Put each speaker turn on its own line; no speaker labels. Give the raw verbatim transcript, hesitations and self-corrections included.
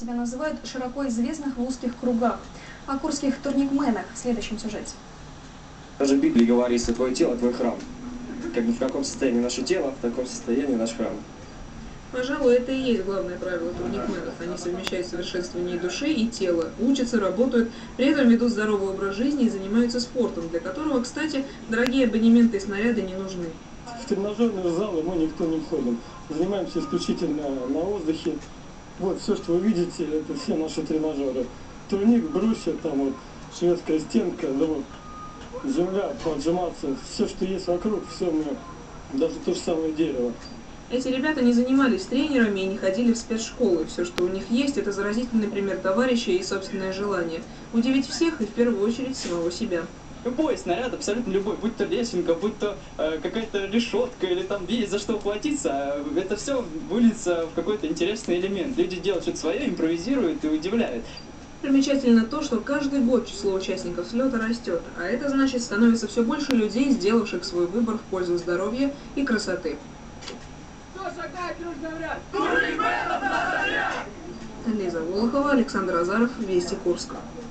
Тебя называют широко известных в узких кругах. О курских турникменах в следующем сюжете.
Даже в Библии говорится: твое тело, твой храм. Как бы в каком состоянии наше тело, в таком состоянии наш храм.
Пожалуй, это и есть главное правило турникменов. Они совмещают совершенствование души и тела, учатся, работают, при этом ведут здоровый образ жизни и занимаются спортом, для которого, кстати, дорогие абонементы и снаряды не нужны.
В тренажерные залы мы никто не входим. Занимаемся исключительно на воздухе. Вот все, что вы видите, это все наши тренажеры. Турник, брусья, там вот шведская стенка, да вот, земля, поджиматься, все, что есть вокруг, все мы, даже то же самое дерево.
Эти ребята не занимались тренерами и не ходили в спецшколы. Все, что у них есть, это заразительный пример товарища и собственное желание. Удивить всех и в первую очередь самого себя.
Любой снаряд, абсолютно любой, будь то лесенка, будь то э, какая-то решетка или там есть за что ухватиться, это все выльется в какой-то интересный элемент. Люди делают что-то свое, импровизируют и удивляют.
Примечательно то, что каждый год число участников слета растет, а это значит, становится все больше людей, сделавших свой выбор в пользу здоровья и красоты. Лиза Волохова, Александр Азаров, Вести Курск.